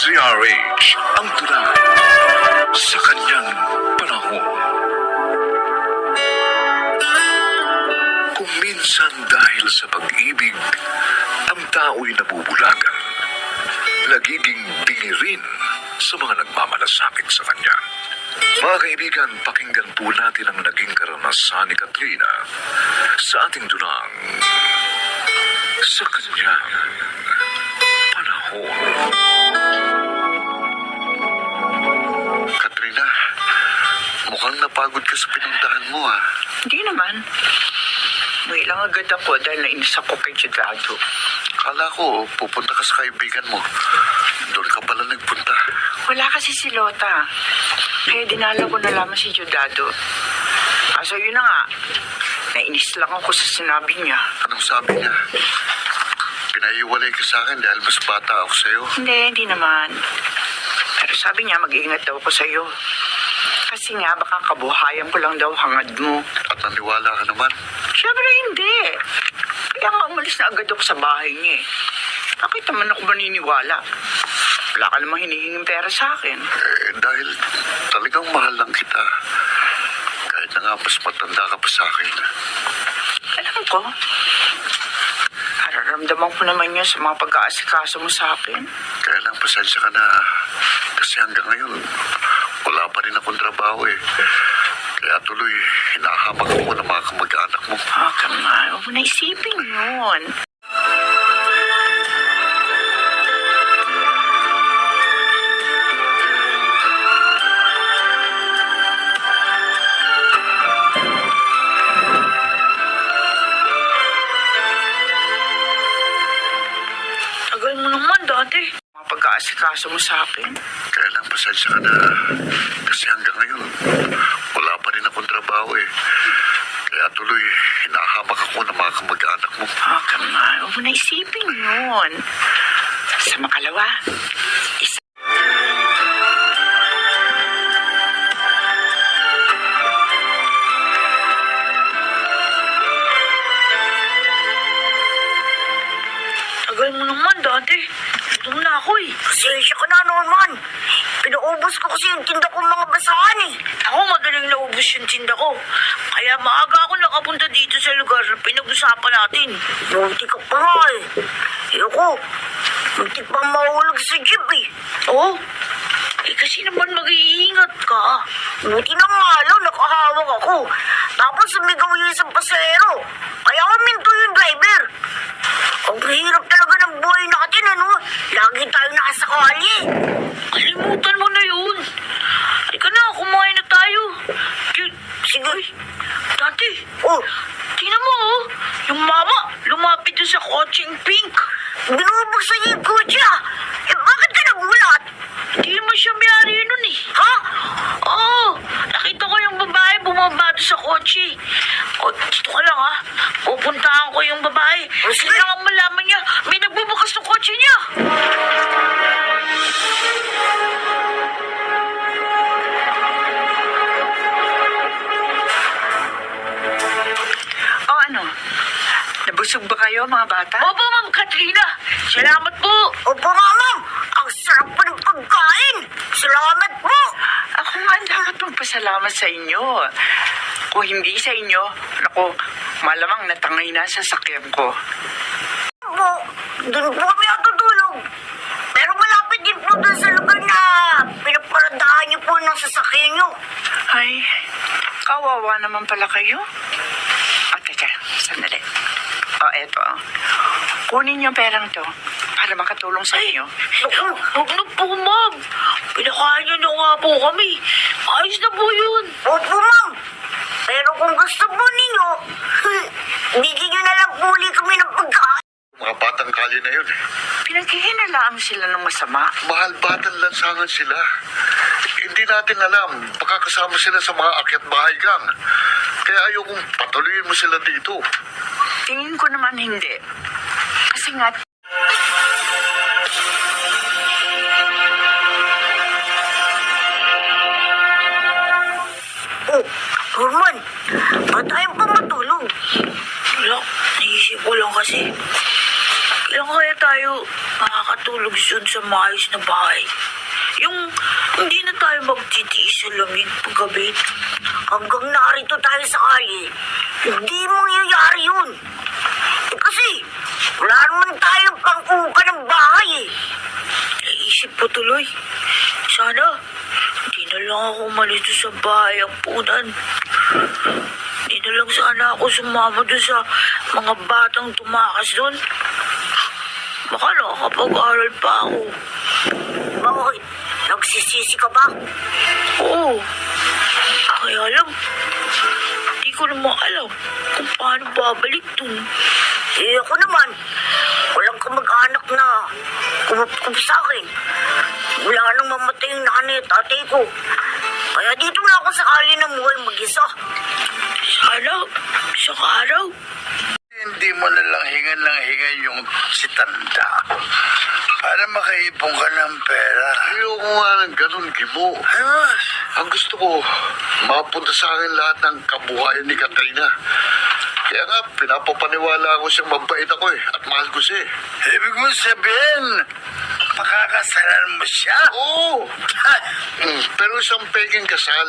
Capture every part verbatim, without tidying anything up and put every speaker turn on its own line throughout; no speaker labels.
Z R H ang tula sa kanyang panahon. Kung minsan dahil sa pag-ibig, ang tao'y nabubulagan, nagiging bingi rin sa mga nagmamalasakit sa kanya. Mga kaibigan, pakinggan po natin ang naging karanasan ni Katrina sa ating dulang sa kanyang panahon.
Katrina, mukhang napagod ka sa pinuntahan mo ah.
Hindi naman. May lang agad ako dahil nainis ako kay Chidado.
Kala ko, pupunta ka sa kaibigan mo. Doon ka pala nagpunta.
Wala kasi si Lota. Kaya dinala ko na lamang si Chidado. Kaso yun na nga, nainis lang ako sa sinabi niya.
Anong sabi niya? Pinaiwalay ka sa akin dahil mas bata ako sa'yo.
Hindi, hindi naman. Pero sabi niya, mag-iingat daw ako sa'yo. Kasi nga, baka kabuhayan ko lang daw hangad mo.
At naniwala ka naman.
Siyempre hindi. Kaya nga umalis na agad ako sa bahay niya eh. Bakit naman ako maniniwala? Wala ka namang hinihinging pera sa akin.
Eh, dahil talagang mahal lang kita. Kahit na nga mas matanda ka pa sa akin.
Alam ko. Nararamdaman ko naman yun sa mga pag-aasikaso mo sa akin.
Kaya lang, pasensya ka na. Kasi hanggang ngayon, wala pa rin akong trabaho eh. Kaya tuloy, hinahamak ako ng mga kamag-anak mo.
Ah, come on. Huwag mo na isipin yun. Tagal mo naman dati. Mga pag-aasikaso mo sa akin.
Kaya lang, pasensya ka na. Kasi hanggang ngayon, wala pa rin akong trabaho eh. Kaya tuloy, hinahamak ako ng mga kamag-anak mo.
Ah, come on. Huwag mo na isipin yun. Sa makalawa, isa. Tagal mo naman dati. Gutom na ako eh.
Pasensya ka na naman. Pinaubos ko kasi yung tinda kong mga basahan eh.
Ako madaling naubos yung tinda ko. Kaya maaga ako nakapunta dito sa lugar na pinag-usapan natin.
Buti ka pa nga eh. Ayoko. Buti pa mahulog sa jeep eh.
Oo. Eh kasi naman mag-iingat ka.
Buti na nga lang nakahawak ako. Tapos sumigaw yung isang pasero. Kaya huminto yung driver. Ang hirap talaga ng buhay natin ano. Lagi tayo nakasakali.
Kalimutan mo na yun. Halika na, kumain na tayo. K-
Sige.
Ay, dati,
Oh,
tingnan mo oh. Yung mama, lumapit doon sa kotseng pink.
binubuksan niya yung kutsa. Eh bakit ka nagulat?
Hindi mo siya mayari nun eh.
Ha?
Oo, nakita ko yung babae bumaba doon sa kotse. O, dito ka lang ha. Pupuntahan ko yung babae.
Sige.
Kailangan malaman niya, may nagbubukas ng kotse niya. O ano? Nabusog ba kayo mga bata? Opo, Ma'am Katrina. Salamat po.
Opo nga ma'am. Ang sarap pa ng pagkain. Salamat po.
Ako nga ang dapat magpasalamat sa inyo. Kung hindi sa inyo, naku, malamang natangay na sa sakyan ko.
Po, doon po kami natutulog. Pero malapit din po doon sa lugar na pinaparadahan niyo po ng sasakyan niyo.
Ay, kawawa naman pala kayo. O, teka, sandali. O, eto. Kunin yung perang to para makatulong sa inyo.
Naku,
Huwag na po, Ma'am. Pinakain niyo na nga po kami. Ayos na po yun.
opo ma'am. Pero kung gusto po ninyo, bigyan niyo na lang po ulit kami ng pagkain.
Mga batang kali na yun.
Pinaghihinalaan sila ng masama.
Mahal batang lansangan sila. Hindi natin alam, baka kasama sila sa mga akyat bahay gang. Kaya ayokong patuloyin mo sila dito.
Tingin ko naman hindi. Kasi nga,
Oh, Norman, ba't tayo pa matulog?
wala, naisip ko lang kasi. Kailangan
Kailan kaya tayo makakatulog dun sa maayos na bahay? Yung hindi na tayo magtitiis sa lamig paggabi. Hanggang narito tayo sa kalye, hindi mangyayari yun. Eh kasi, wala naman tayong pang-upa ng bahay eh. Naisip ko tuloy, sana hindi na lang ako umalis doon sa bahay ang punan. Hindi na lang sana ako sumama doon sa mga batang tumakas doon. Baka nakakapag-aral pa ako. Bakit? Nagsisisi ka ba? Oo. Kaya lang, hindi ko naman alam kung paano babalik dun. Eh ako naman, walang kamag-anak na kumup-kup sa akin. Wala nang mamatay yung nanay at tatay ko. Kaya dito na ako sa kali ng buhay mag-isa. Sana, sa araw.
Hindi mo na lang hingan lang hingan yung si Tanda para makaipon ka ng pera.
Ayoko nga ng ganun, Gibo.
Ayos.
Ang gusto ko, mapunta sa akin lahat ng kabuhayan ni Katrina. Kaya nga, pinapapaniwala ko siyang mabait ako eh, at mahal ko siya eh.
Ibig mo sabihin, makakasalan mo siya?
Oo! Mm, pero isang peking kasal.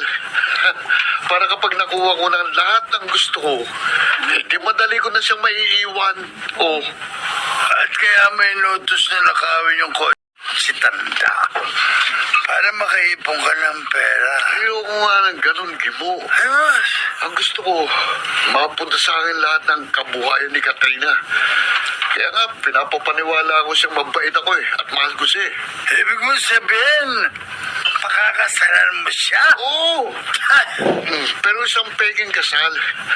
Para kapag nakuha ko ng lahat ng gusto ko, hindi madali ko na siyang maiiwan. Oh,
At kaya may notus na nakawin yung ko si Tanda para makaipon ka ng pera.
ayoko nga ng ganun, Gibo.
Ayos.
Ang gusto ko, mapunta sa akin lahat ng kabuhayan ni Katrina. Kaya nga, pinapapaniwala ko siyang mabait ako eh, at mahal ko siya eh.
Ibig mo sabihin, makakasalan mo siya?
Oo! Mm, pero isang peking kasal.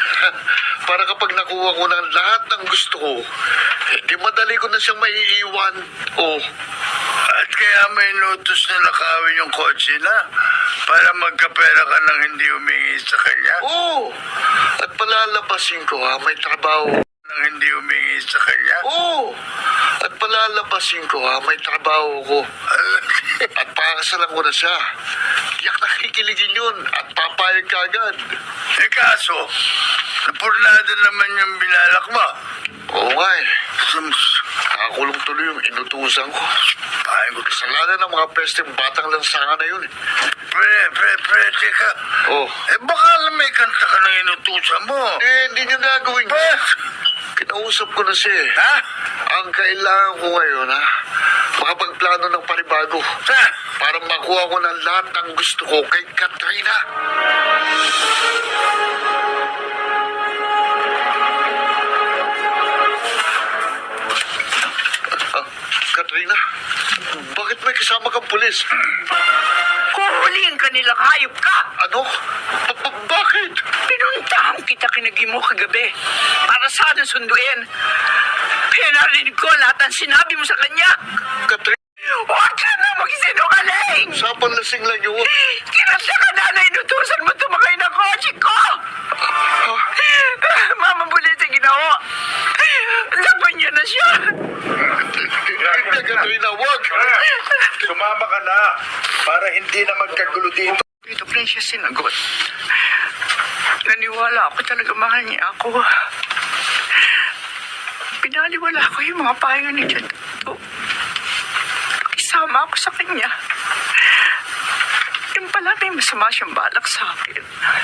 Para kapag nakuha ko ng lahat ng gusto ko, hindi madali ko na siyang maiiwan. Oh,
At kaya may notus na nakawin yung kotse na para magkapera ka nang hindi humingi sa kanya?
oo! At palalabasin ko ha, may trabaho.
Nang hindi humingi sa kanya?
Oo! At palalabasin ko ha, may trabaho ko. At pakakasalan ko na siya. Tiyak nakikiligin yun at papayag ka agad.
Eh kaso, napurnado naman yung binalak mo.
Oo nga eh.
Sums-
Nakakulong tuloy yung inutusan ko.
Ay, ko
Kasalanan ng mga pesteng batang lansangan na yun eh.
pre, pre, pre, teka.
Oh.
Eh baka alam may kanta ka na inutusan mo.
Eh, hindi niya gagawin
Pre,
yun. Kinausap ko na siya eh.
ha?
Ang kailangan ko ngayon ha, makapagplano ng panibago.
Ha?
Para makuha ko ng lahat ng gusto ko kay Katrina. Ah, Katrina, bakit may kasama kang pulis?
Kuhulihin ka nilang hayop ka!
Ano? Ba- ba- bakit?
Pinuntahan kita kinagi mo kagabi para sana sunduin. Kaya narinig ko lahat ng sinabi mo sa kanya.
Katrina,
Huwag ka na magsinungaling!
sapang lasing lang yun.
Kinasya ka na na inutusan mo tumakay ng kotse ko! Mama bulit ang ginawa. Laban niya na siya.
Hindi, Katrina, wag!
Sumama ka na para hindi na magkagulo dito.
Ito pa rin siya sinagot. Naniwala ako talaga mahal niya ako. Pinaliwala ko yung mga payo ni John Tato. Pakisama ako sa kanya. Yung pala may masama siyang balak sa akin.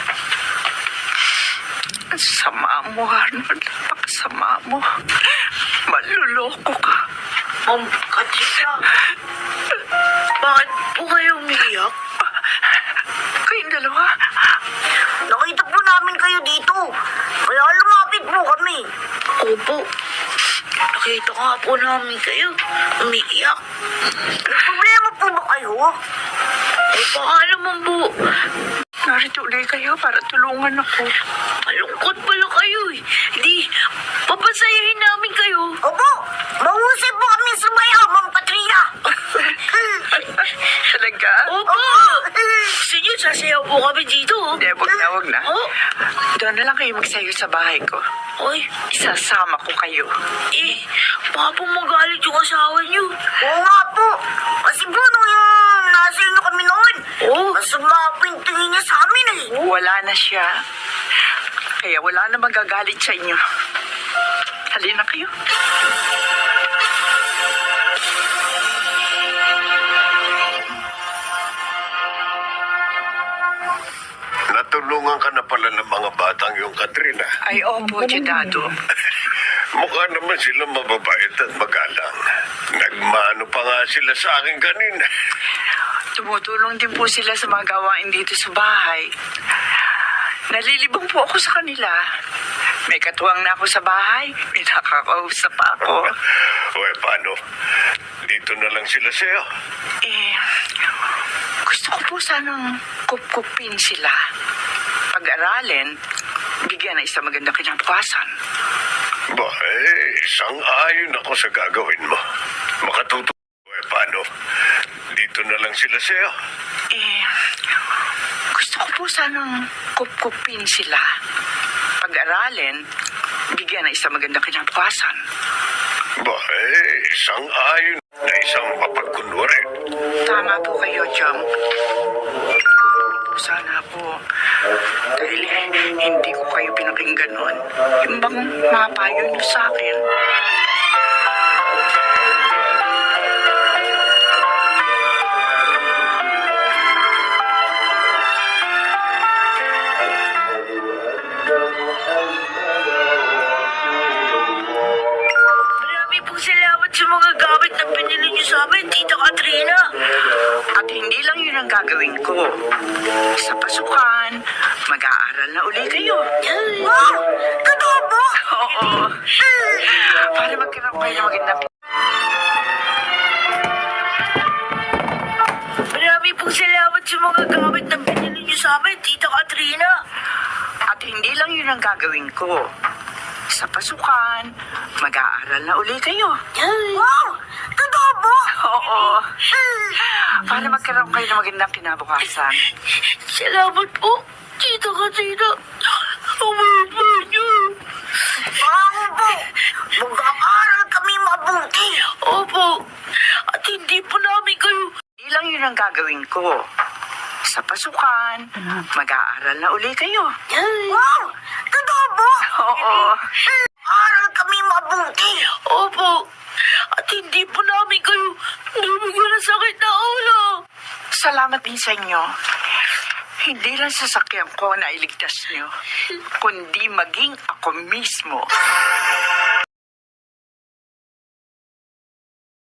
Ang sama mo, Arnold. Pakasama mo. Maluloko ka.
Ma'am Katrina, bakit po kayo umiiyak?
Kayong dalawa,
Nakita po namin kayo dito. Kaya lumapit po kami. Opo. Nakita nga po namin kayo. Umiiyak. May problema po ba kayo? Eh, baka naman po.
narito ulit kayo para tulungan ako.
Malungkot pala kayo eh. Di, papasayahin namin kayo. Opo. Mahusay po kami sumayaw, Ma'am Katrina.
Talaga?
Opo. Gusto niyo, sasayaw po kami dito.
Hindi, wag na, wag na.
Oh.
Doon na lang kayo magsayo sa bahay ko.
Oy,
Isasama ko kayo.
eh, baka po magalit yung asawa niyo. Oo nga po. Kasi po, nung yung nasa inyo kami noon, oh. masama po yung tingin niya sa amin eh.
Wala na siya. Kaya wala na magagalit sa inyo. Halina kayo.
Tinulungan ka na pala ng mga batang yung Katrina.
Ay, opo, Dado.
Mukha naman sila mababait at magalang. Nagmano pa nga sila sa akin kanina.
Tumutulong din po sila sa mga gawain dito sa bahay. Nalilibang po ako sa kanila. May katuwang na ako sa bahay. May nakakausap pa ako.
O eh, paano? Dito na lang sila sa'yo.
Eh, gusto ko po sanang kupkupin sila. Pag-aralin, bigyan ng isang magandang kinabukasan.
Ba, eh, isang ayon ako sa gagawin mo. Makatuto. O eh, paano? Dito na lang sila sa'yo.
Eh, gusto ko po sanang kupkupin sila. Pag-aralin, bigyan ng isang magandang kinabukasan.
Ba, eh, isang ayon na isang mapagkunwari.
Tama po kayo, Chong. Sana po. Dahil eh, hindi ko kayo pinakinggan noon. Yung bang mapayo niyo sa akin.
Marami pong salamat sa mga gamit na pinili niyo sa amin, Tita Katrina.
At hindi lang yun ang gagawin ko. Sa pasukan, mag-aaral na uli kayo.
Wow! Totoo po?
Oo. Para magkaroon kayo ng magandang...
Marami pong salamat sa mga gamit na pinili niyo sa amin, Tita Katrina.
At hindi lang yun ang gagawin ko. Sa pasukan, mag-aaral na uli kayo.
Wow! Totoo po?
Oo. Para magkaroon kayo ng magandang kinabukasan.
Salamat po, Tita Katrina. Umapa niyo. Bango po. Mag-aaral kami mabuti. Opo. At hindi po namin kayo...
Hindi lang yun ang gagawin ko. Sa pasukan, mag-aaral na uli kayo.
Wow! Totoo po?
Oo.
Aral kami mabuti. Opo. At hindi po namin kayo nabigyan ng sakit na ulo.
Salamat din sa inyo. Hindi lang sasakyan ko na iligtas nyo, kundi maging ako mismo.